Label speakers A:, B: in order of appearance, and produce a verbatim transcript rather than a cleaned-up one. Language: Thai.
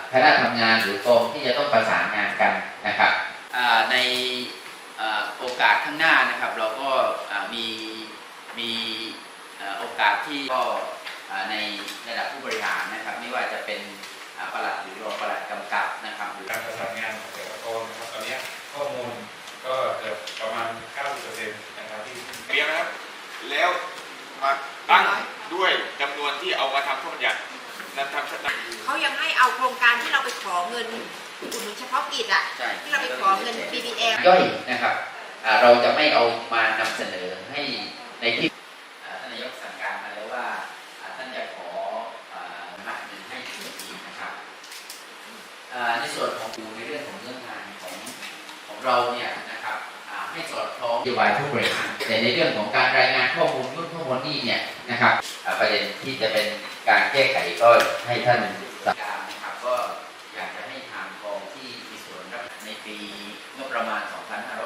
A: คณะทำงานหรือกองที่จะต้องประสานงานกันนะครับในโอกาสข้างหน้านะครับเราก็มีมีโอกาสที่ก็ในระดับผู้บริหารนะครับไม่ว่าจะเป็นปลัดหรือรองปลัดกำกับนะครับหรือ
B: การประสานงานของแต่ละกองนะครับตอนนี้ข้อมูลก็เกือบประมาณ เก้าสิบเปอร์เซ็นต์ นะครับที่
C: เรียนนะครับแล้วมาตั้งด้วยจำนวนที่เอามาทำข้อบัญญัตินั้นทำชัด
D: เขายังให้เอาโครงการที่เราไปขอเงินอุดหนุนเฉพาะกิจอ่ะที่เราไปขอเงิน บี บี เอ็ม
A: ย่อยนะครับเราจะไม่เอามานำเสนอให้ในที่ท่านนายกสั่งการมาแล้วว่าท่านจะขอหักเงินให้ส่วนนี้นะครับในส่วนของในเรื่องของเรื่องงานของของเราเนี่ยนะครับให้สอดคล้องนโยบายผู้บริหารแต่ในเรื่องของการรายงานข้อมูลยุ่นข้อมูลนี่เนี่ยนะครับประเด็นที่จะเป็นการแก้ไขก็ให้ท่านสั่งการนะครับก็อยากจะให้ทางกองที่มีส่วนรับในปีงบประมาณ สองพันห้า